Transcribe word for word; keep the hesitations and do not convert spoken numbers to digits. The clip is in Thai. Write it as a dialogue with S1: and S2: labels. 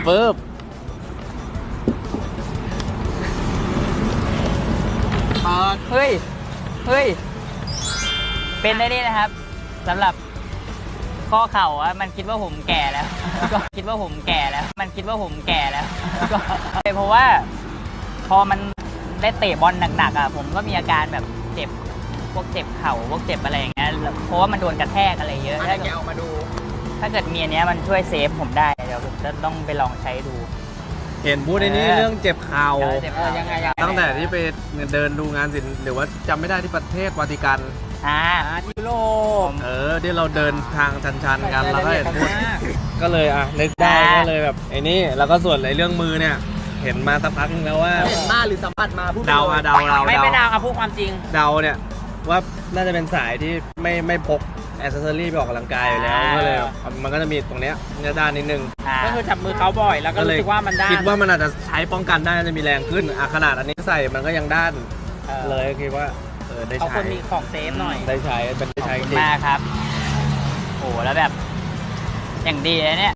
S1: ปึ๊บ
S2: เปิด
S3: เฮ้ยเฮ้ยเป็นได้นี่นะครับสำหรับข้อเข่าอะมันคิดว่าผมแก่แล้วก็คิดว่าผมแก่แล้ว มันคิดว่าผมแก่แล้วก็เพราะว่าพอมันได้เตะบอลหนักๆอ่ะผมก็มีอาการแบบเจ็บพวกเจ็บเข่าพวกเจ็บอะไรอย่างเงี้ยเพราะว่ามันโดนกระแทกอะไรเยอะ
S2: อะไร
S3: ถ้า
S2: แก
S3: เกิด
S2: เอามาดู
S3: ถ้าเกิดมีอันเนี้ยมันช่วยเซฟผมได้เดี๋ยวผมจะต้องไปลองใช้ดู
S1: เห็นพูดในนี้เรื่องเจ็บเข่า
S3: เจ็บ
S2: เออยังไงยังไง
S1: ตั้งแต่ที่ไปเดินดูงานศิลป์หรือว่าจำไม่ได้ที่ประเทศวาติกัน
S3: อ่า
S2: อ่าที่ยุโรป
S1: เออที่เราเดินทางชันๆกันแล้วก็เห็นพูด
S2: มาก
S1: ก็เลยอ่ะนึกได้ก็เลยแบบไอ้นี่แล้วก็ส่วนไอ้เรื่องมือเนี่ยเห็นมาสักพักนึงแล้วว่า
S2: เห็นมาหรือสัมผัสมาพูดไป
S1: เดาอะเดาเดา
S2: ไม่ไม่
S1: เดา
S2: เดาเอาพูดความจริง
S1: เดาเนี่ยว่าน่าจะเป็นสายที่ไม่ไม่พกแอ c เซสซอรี่ไปออกกำลังกายอยู่แล้วก็เลยมันก็จะมีตรงเนี้ยเนื้อด้านนิดนึง
S3: อ่า
S2: ก็คือจับมือเขาบ่อยแล้วก็รู้สึกว่ามันด้าน
S1: คิดว่ามันอาจจะใช้ป้องกันได้น่าจะมีแรงขึ้นอ่ะขนาดอันนี้ใส่มันก็ยังด้าน
S2: ออ
S1: เลยคิดว่าเออได้
S2: เขา
S1: ใช้
S2: ควรมีของเซฟหน่อย
S1: ได้ใช้เป็นได้
S3: ขอบ
S1: ใช้จ
S3: คุณ
S1: ริง
S3: มากครับโอ้แล้วแบบอย่างดีเลยเนี่ย